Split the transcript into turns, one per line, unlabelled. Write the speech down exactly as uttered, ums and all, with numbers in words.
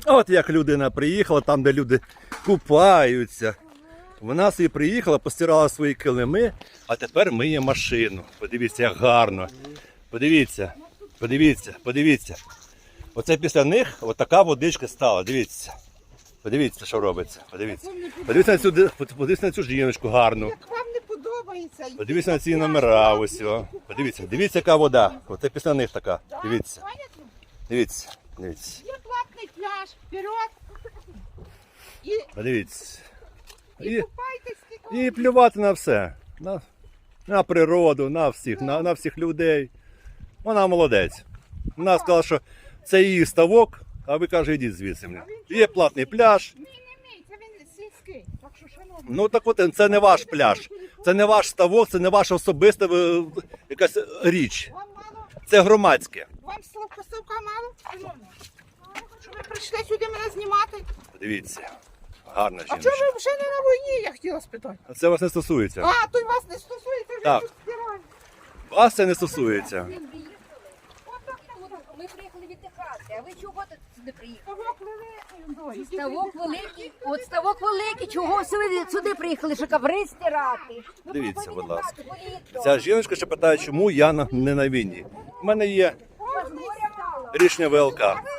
От як людина приїхала, там де люди купаються. Вона собі приїхала, постирала свої килими, а тепер миє машину. Подивіться, як гарно. Подивіться, подивіться, подивіться. Оце після них отака водичка стала, дивіться. Подивіться, що робиться. Подивіться. Подивіться на цю, подивіться на цю жіночку гарну.
Як вам не подобається.
Подивіться на ці номера ось. О. Подивіться, дивіться, яка вода. Оце після них така. Дивіться. Дивіться, дивіться.
Є платний пляж, вперед. І,
Подивіться.
і
І,
купайтесь скільки.
і плювати на все. На, на природу, на всіх, на, на всіх людей. Вона молодець. Вона сказала, що це її ставок, а ви каже, йдіть звідси. Є платний пляж.
Ні, не мій, це він сільський. Так що, шановні.
Ну так от, це не ваш пляж. Це не ваш ставок, це не ваша особиста е, якась річ.
Вам мало,
Це громадське.
вам словка совка мало, шановні. Що ви прийшли сюди мене знімати?
Дивіться, гарна
А чого
жіночка.
ви вже не на війні, я хотіла спитати?
А це вас не стосується.
А, то й вас не стосується, ви
Так.
тут стираєте.
Вас це не стосується.
Ми приїхали віддихати, а ви чого тут сюди приїхали?
Ставок великий.
Ставок великий, от ставок великий, чого сюди, сюди приїхали, що коври стирати? Ну,
Дивіться,
треба
будь ласка.
віддихати, поїдьте.
Ця жіночка ще питає, чому я на- не на війні. У мене є
Ось горя мало.
рішення ВЛК.